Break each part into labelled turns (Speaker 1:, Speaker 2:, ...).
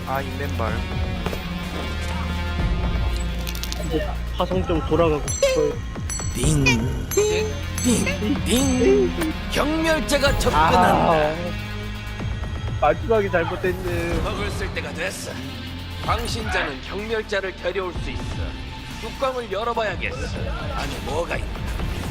Speaker 1: 아 인맨발.
Speaker 2: 이제 화성 좀 돌아가고 싶어요.
Speaker 3: 띵. 경멸자가 접근한다.
Speaker 2: 마지막에 잘못했네.
Speaker 3: 먹을 쓸 때가 됐어. 광신자는 경멸자를 데려올 수 있어. 뚜껑을 열어봐야겠어. 안에 뭐가 있나?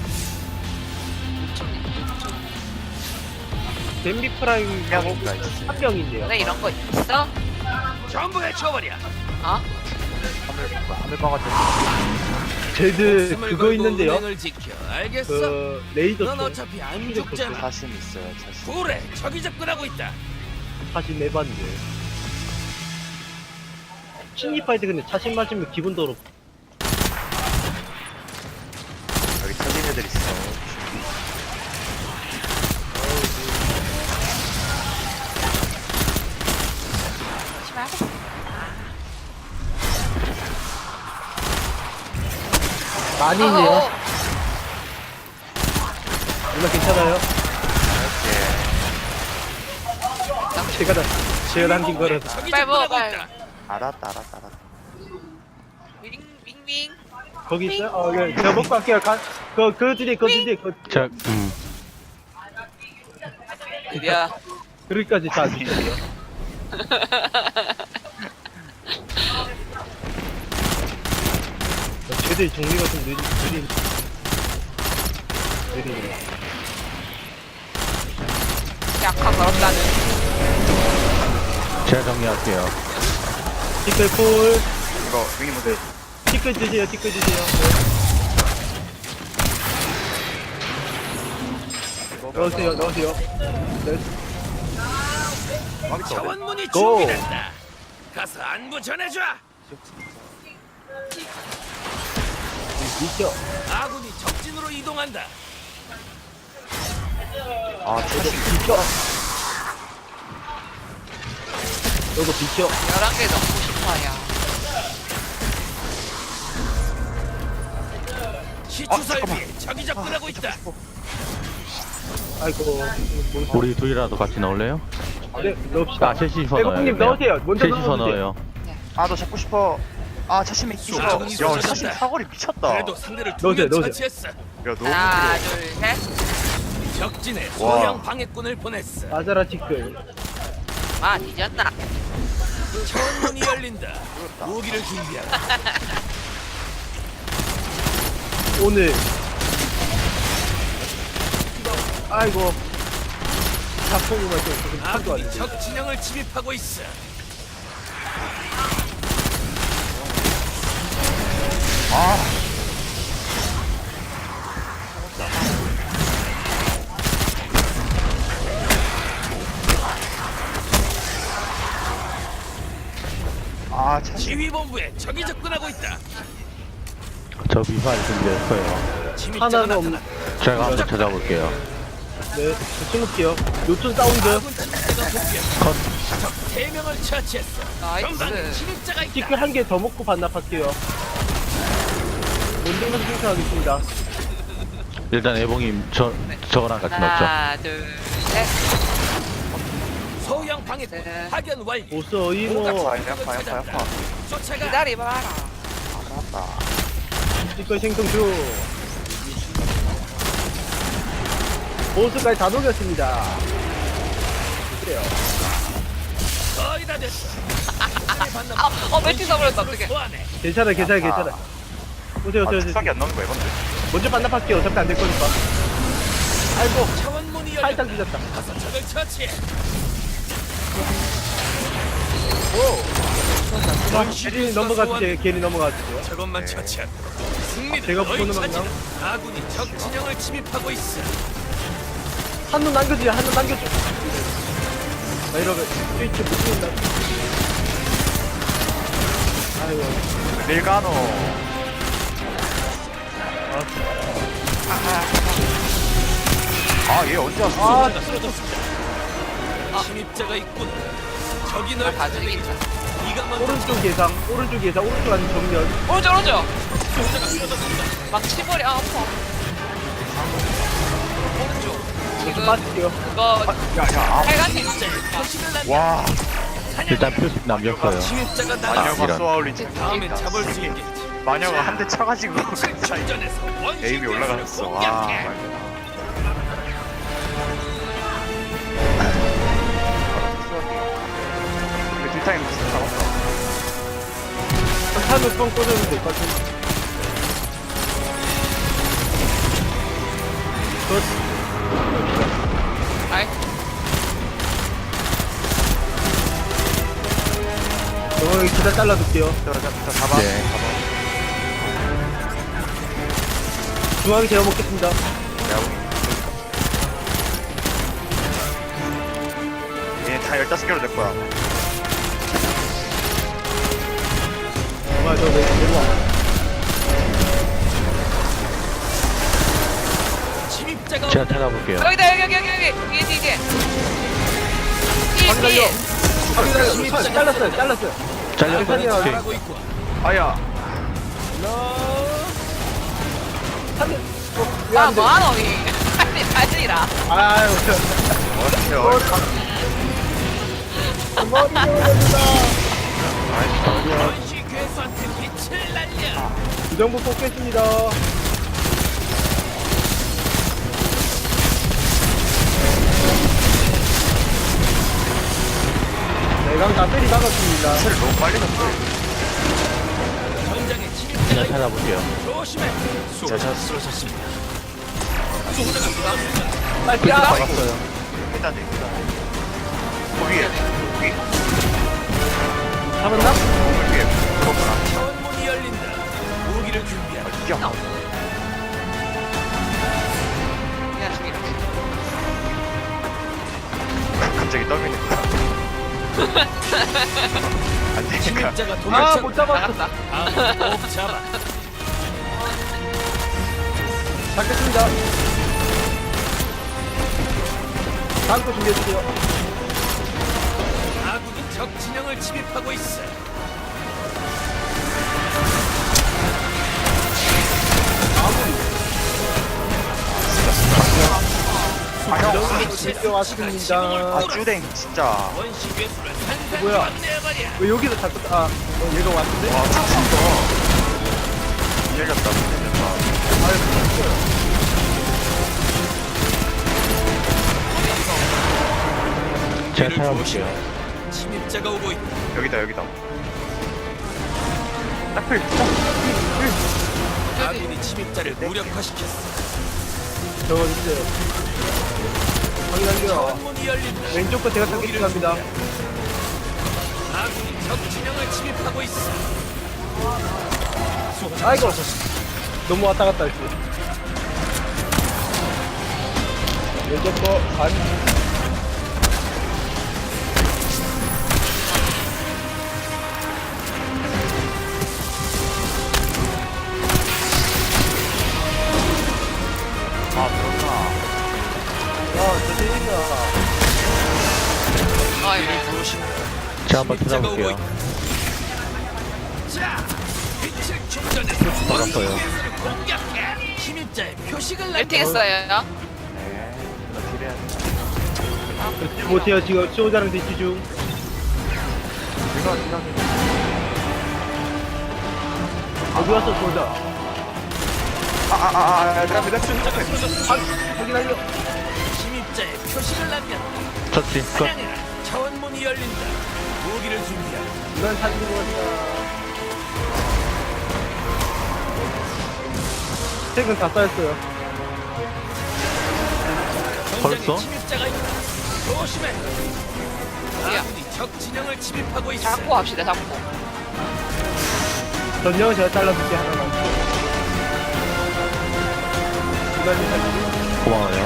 Speaker 2: 댐비 프라임
Speaker 1: 명인가 있어요.
Speaker 2: 한 명인데요.
Speaker 4: 왜 이런 거 있어?
Speaker 3: 전부 해쳐버려.
Speaker 4: 어?
Speaker 1: 하늘방아 좀.
Speaker 2: 제드
Speaker 3: 목숨을
Speaker 2: 그거
Speaker 3: 걸고
Speaker 2: 있는데요.
Speaker 3: 은행을 지켜. 알겠어?
Speaker 2: 그 레이더
Speaker 3: 넌
Speaker 2: 총
Speaker 3: 어차피 안 죽잖아.
Speaker 1: 자신 있어요. 자신.
Speaker 3: 그래, 적이 접근하고 있다.
Speaker 2: 사실 내봤는데. 신입할 때 근데 차신 맞으면 기분 더럽.
Speaker 1: 여기 터진 애들 있어.
Speaker 4: 조심하겠어.
Speaker 2: 많이 있네요. 누나 괜찮아요? 제가 남긴 거라서.
Speaker 3: 적이
Speaker 4: 빨리 먹어,
Speaker 3: 접근하고
Speaker 4: 빨리.
Speaker 3: 있다.
Speaker 1: 알았다.
Speaker 4: 윙윙윙.
Speaker 2: 거기 있어요? 예, 제가 먹고 갈게요. 그 뒤에.
Speaker 5: 자,
Speaker 4: 드디어.
Speaker 2: 그릇까지 다 주세요. 쟤들 정리가 좀 느리네.
Speaker 4: 약한 더럽다는.
Speaker 5: 제가 정리할게요.
Speaker 2: 티끌 콜.
Speaker 1: 이거 윙이 모델.
Speaker 2: 티끌 주세요. 넣으세요. 네.
Speaker 3: 자원문이
Speaker 2: 고!
Speaker 3: 준비된다. 가서 안부 전해줘.
Speaker 2: 미쳐.
Speaker 3: 아군이 적진으로 이동한다.
Speaker 1: 아 자신.
Speaker 2: 비켜. 요거 비켜.
Speaker 4: 11개 넣고 싶어요.
Speaker 3: 시추설비에 적이 접근하고 있다.
Speaker 2: 아이고.
Speaker 5: 우리 둘이라도 같이 넣을래요?
Speaker 2: 네, 넣읍시다.
Speaker 5: 아, 셋이서 넣어요.
Speaker 2: 애국님 넣으세요. 먼저
Speaker 5: 셋이서
Speaker 2: 넣어주세요.
Speaker 5: 넣어요.
Speaker 1: 아 너 잡고 싶어. 아 자신 있어. 야
Speaker 3: 쏘.
Speaker 1: 자신 사거리 미쳤다. 야
Speaker 3: 그래도 상대를 두 명
Speaker 2: 넣으세요.
Speaker 3: 처치했어.
Speaker 1: 너무
Speaker 4: 하나,
Speaker 1: 힘들어.
Speaker 4: 둘, 셋.
Speaker 3: 적진에
Speaker 1: 와.
Speaker 3: 소형 방해꾼을 보냈어.
Speaker 2: 맞아라 티끌.
Speaker 4: 아, 뒤졌나?
Speaker 3: 차원문이 열린다. 무기를 준비하라.
Speaker 2: 오늘. 아이고. 작품이만 좀 참도 안
Speaker 3: 아군이
Speaker 2: 돼.
Speaker 3: 적 진영을 침입하고 있어.
Speaker 1: 아 자신.
Speaker 3: 지휘본부에 적이 접근하고 있다.
Speaker 5: 저 미사일 준비했어요.
Speaker 3: 침입자가
Speaker 2: 하나는 없는.
Speaker 3: 나타났다.
Speaker 5: 제가 한번 찾아볼게요.
Speaker 2: 네, 저 찍을게요. 요촌 사운드.
Speaker 3: 아군 침입자가 복귀했다. 적 3명을 처치했어. 전방에
Speaker 4: 나이스.
Speaker 3: 침입자가 있다.
Speaker 2: 티끌 한 개 더 먹고 반납할게요. 원정만 생각하겠습니다.
Speaker 5: 일단 애봉님 저거랑 같이 넣죠.
Speaker 4: 하나, 둘, 셋.
Speaker 3: 소형 방해꾼
Speaker 4: 네.
Speaker 3: 파견 완료.
Speaker 2: 오서 이모.
Speaker 1: 아파.
Speaker 3: 쫓아가.
Speaker 4: 기다려봐라.
Speaker 1: 알았다.
Speaker 2: 티끌 생성 중. 보스까지 다 녹였습니다. 그래요.
Speaker 3: 거의 다 됐어.
Speaker 4: 멸치 써버렸다, 어떡해.
Speaker 3: 소환해.
Speaker 2: 괜찮아. 오세요.
Speaker 1: 아 축삭이 안 나오는 거야 이건데.
Speaker 2: 먼저 반납할게요. 어차피 안 될 거니까. 아이고,
Speaker 3: 차원문이
Speaker 2: 살짝
Speaker 3: 열렸다.
Speaker 2: 늦었다.
Speaker 3: 가서 적을 처치해.
Speaker 2: 괜히 넘어가주세요. 괜히 넘어가주세요.
Speaker 3: 저것만 처치하고 승리는
Speaker 2: 제가
Speaker 3: 너희
Speaker 2: 보는
Speaker 3: 차지다.
Speaker 2: 방향.
Speaker 3: 아군이 적 진영을 침입하고 있어.
Speaker 2: 한눈 남겨주세요. 나 이러면 스위치 못 찍는다. 아이고.
Speaker 1: 밀가노. 아 얘 언제 왔어?
Speaker 2: 아,
Speaker 3: 쓰러졌습니다. 침입자가 있군. 적이 널
Speaker 4: 다 죽이겠다.
Speaker 3: 네가 먼저
Speaker 2: 오른쪽 예상. 오른쪽 아닌 정면.
Speaker 4: 오른쪽.
Speaker 3: 침입자가 쓰러졌습니다.
Speaker 4: 막 치버려. 아, 아파. 오른쪽.
Speaker 2: 좀
Speaker 4: 지금
Speaker 2: 빠질게요.
Speaker 4: 그거
Speaker 1: 야야.
Speaker 4: 빨간 팀.
Speaker 3: 침입자의 표시를 난
Speaker 1: 와.
Speaker 5: 일단 표식 남겼어요.
Speaker 3: 침입자가
Speaker 1: 마녀가
Speaker 3: 나타났어.
Speaker 5: 이런.
Speaker 1: 쏘아올린
Speaker 3: 다음에 잡을 수 있겠지.
Speaker 1: 마녀가 한 대 쳐가지고 그 사이
Speaker 3: 전에서 원시
Speaker 1: 에임이 올라갔어. 와.
Speaker 3: 공격해.
Speaker 1: 우리 딜타임 진짜 잡았다.
Speaker 2: 탄을 뻥 꽂으면 될 것 같은데.
Speaker 4: 아이.
Speaker 2: 여기 기다 잘라둘게요.
Speaker 1: 자, 잡아.
Speaker 5: 네.
Speaker 2: 중앙이 제가 먹겠습니다.
Speaker 1: 얘다 15개로 될 거야.
Speaker 2: 정말 저 내려와.
Speaker 3: 침입자가
Speaker 5: 제가 찾아볼게요.
Speaker 4: 여기다 여기 뒤에 뒤에. 뒤에.
Speaker 2: 확인하려. 잘랐어요. 잘랐어요.
Speaker 5: 잘렸어요. 오케이.
Speaker 3: 하고 있고.
Speaker 1: 아야.
Speaker 4: 아 뭐하노 이. 아니라.
Speaker 2: 아유. 머리 올려준다.
Speaker 3: 원시 괴수한테 빛을 날려.
Speaker 2: 부정부 뽑겠습니다. 내강 다 때리 박았습니다.
Speaker 1: 사를 너무 빨리 잡어.
Speaker 3: 현장에 침입자가
Speaker 5: 제가
Speaker 3: 있다.
Speaker 5: 찾아볼게요.
Speaker 3: 조심해.
Speaker 1: 자,
Speaker 3: 쓰러졌습니다.
Speaker 2: 빨리
Speaker 1: 아,
Speaker 2: 야.
Speaker 1: 있어요. 일단 거기에 거기
Speaker 2: 잡았나?
Speaker 1: 건물 위에 그거구나.
Speaker 3: 차원문이 열린다. 무기를 준비하라.
Speaker 1: 야,
Speaker 4: 그냥 죽이라.
Speaker 1: 갑자기 떨리네. 안 되니까.
Speaker 3: 침입자가
Speaker 2: 아,
Speaker 3: 도망쳐.
Speaker 2: 못 잡았어.
Speaker 4: 나갔다.
Speaker 3: 꼭 잡아.
Speaker 2: 잡겠습니다. 다음 거 준비해주세요.
Speaker 3: 아군이 적 진영을 침입하고 있어.
Speaker 1: 아, 형.
Speaker 2: 준비 왔습니다.
Speaker 1: 아, 쭈댕 진짜.
Speaker 3: 원시 괴수를 산산
Speaker 2: 뭐야?
Speaker 3: 건네버려.
Speaker 2: 왜 여기서 자꾸, 얘가 왔는데?
Speaker 1: 와, 쭈친다. 밀렸다, 밀렸다.
Speaker 5: 제가
Speaker 3: 뒤를
Speaker 5: 찾아볼게요.
Speaker 3: 조심해. 침입자가 오고 있다.
Speaker 1: 여기다. 딱필.
Speaker 3: 아군이 침입자를 무력화시켰어.
Speaker 2: 저거 주세요. 확인할게요.
Speaker 3: 차원문이 열린다.
Speaker 2: 왼쪽 거 제가 찾겠습니다.
Speaker 3: 아군이 적 진영을 침입하고 있어.
Speaker 2: 아이고. 너무 왔다 갔다 했어. 왼쪽 거 반.
Speaker 1: 아, 그렇구나.
Speaker 2: 저기니까.
Speaker 4: 아이.
Speaker 5: 제가 한번
Speaker 3: 침입자가 오고
Speaker 5: 찾아볼게요.
Speaker 3: 있다. 자, 빛을 충전해서
Speaker 5: 받았어요.
Speaker 3: 원시 괴수를 공격해. 침입자의 표식을
Speaker 4: 멜팅
Speaker 3: 남겨.
Speaker 4: 했어요.
Speaker 1: 네. 나 딜해야 돼.
Speaker 2: 못해요, 지금 수호자랑 대치 중.
Speaker 1: 이거
Speaker 2: 어디 왔어, 수호자?
Speaker 1: 내가
Speaker 2: 확인하려.
Speaker 3: 침입자의 표식을 남겨.
Speaker 5: 터치. 끝.
Speaker 3: 사냥해라. 차원문이 열린다. 무기를 준비하라.
Speaker 2: 이건 사진 것 같다. 책은 다 쌓였어요.
Speaker 3: 현장에
Speaker 5: 벌써?
Speaker 3: 침입자가 있다. 조심해. 아군이 적 진영을 침입하고 있어.
Speaker 4: 잡고 합시다. 잡고.
Speaker 2: 전령은 제가 잘라줄게, 하나만. 이만희 살리고.
Speaker 5: 고마워요.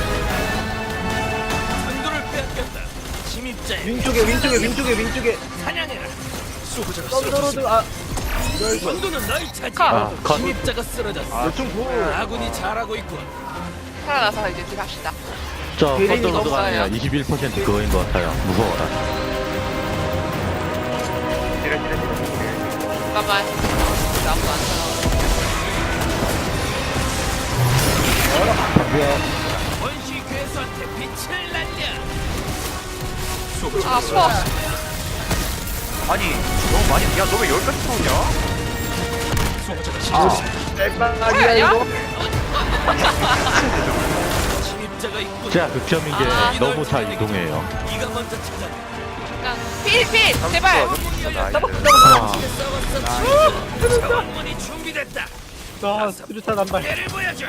Speaker 3: 선두를 빼앗겼다. 침입자의
Speaker 2: 윈쪽에.
Speaker 3: 사냥해라. 수호자가
Speaker 2: 썬더로드,
Speaker 3: 쓰러졌어. 선두는 너희 차지.
Speaker 4: 컷.
Speaker 5: 아, 컷.
Speaker 3: 침입자가 쓰러졌어.
Speaker 2: 요청 보.
Speaker 3: 아군이 잘하고 있군.
Speaker 4: 살아나서 이제 딜 합시다.
Speaker 5: 저
Speaker 2: 베린이
Speaker 5: 썬더로드가 아니라
Speaker 4: 없어요.
Speaker 5: 21% 그거인 것 같아요. 무서워라.
Speaker 4: 잠깐만. 아무도 안 살아.
Speaker 3: 원시 괴수한테 빛을 날려.
Speaker 4: 아 수업.
Speaker 1: 아니 너무 많이 야 너 왜 여기까지 쏘냐?
Speaker 2: 짤방아리야 이거.
Speaker 3: 침입자가 있군.
Speaker 5: 제가 극점인 게 너무 잘 이동해요.
Speaker 3: 네가 먼저 찾아.
Speaker 4: 그냥 필 제발.
Speaker 3: 자원문이 준비됐다.
Speaker 2: 아 스루탄 한 발.
Speaker 3: 배를 보여줘.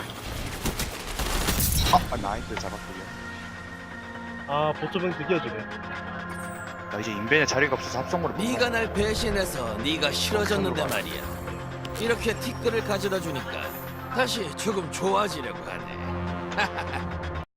Speaker 1: 아 나이스 잡았고요.
Speaker 2: 아 보조병 드디어 주네.
Speaker 1: 나 이제 인벤에 자리가 없어서 합성으로 못
Speaker 3: 네가 날 배신해서 네가 싫어졌는데 말이야. 이렇게 티끌을 가져다 주니까 다시 조금 좋아지려고 하네.